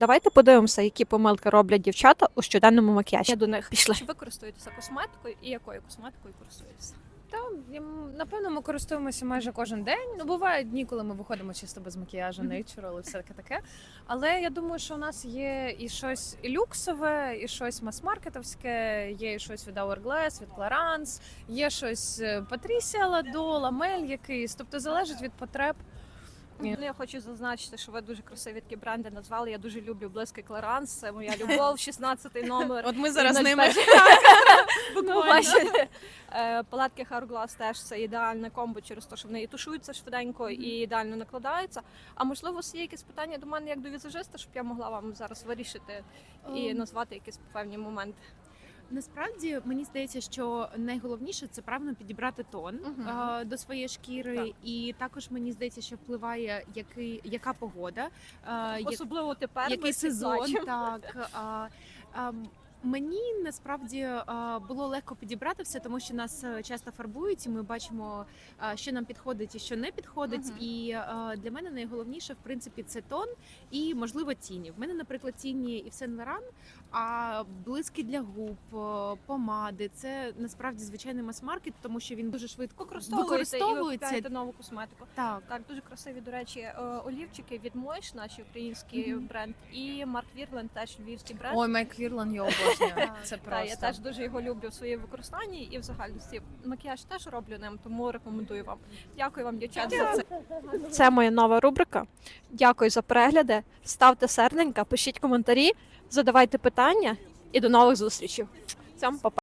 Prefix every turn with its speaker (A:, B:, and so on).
A: Давайте подивимося, які помилки роблять дівчата у щоденному макіяжі. Я до них пішла. Чи ви користуєтеся косметикою і якою косметикою користуєтеся?
B: Напевно, ми користуємося майже кожен день. Ну, бувають дні, коли ми виходимо чисто без макіяжу, natural і все таке. Але я думаю, що у нас є і щось і люксове, і щось мас-маркетовське, є і щось від Hourglass, від Clarins, є щось Patricia Lado, Lamel якийсь. Тобто залежить від потреб.
A: Ну, я хочу зазначити, що ви дуже красиві такі бренди назвали. Я дуже люблю близький Clarins, це моя любов, 16-й номер.
B: От ми зараз
A: І
B: ними
A: 05. Ну, бачите, палетки Hourglass теж це ідеальне комбо через те, що вони і тушуються швиденько, і ідеально накладаються. А можливо, у вас є якісь питання до мене як до візажиста, щоб я могла вам зараз вирішити і назвати якісь певні моменти?
C: Насправді мені здається, що найголовніше це правильно підібрати тон до своєї шкіри,
A: Так.
C: і також мені здається, що впливає яка погода,
A: Особливо тепер ми
C: який
A: всі
C: сезон.
A: бачимо.
C: Так мені насправді було легко підібрати все, тому що нас часто фарбують, і ми бачимо, що нам підходить і що не підходить. І для мене найголовніше, в принципі, це тон і, можливо, тіні. В мене, наприклад, тіні Yves Saint Laurent, а блиски для губ, помади – це насправді звичайний мас-маркет, тому що він дуже швидко
A: Використовуєте і ви купуєте нову косметику.
C: Так.
A: Так, дуже красиві, до речі, олівчики від Мойш, наш український бренд, і Марк Вірлен, теж львівський бренд.
B: Ой, Майк Вірлан, я обожнюю. Це
A: Так,
B: просто.
A: я теж дуже його люблю в своєму використанні і в загальності. Макіяж теж роблю ним, тому рекомендую вам. Дякую вам, дівчата, за це. Це моя нова рубрика. Дякую за перегляди. Ставте серденька, пишіть коментарі, задавайте питання і до нових зустрічей. Всім па-па.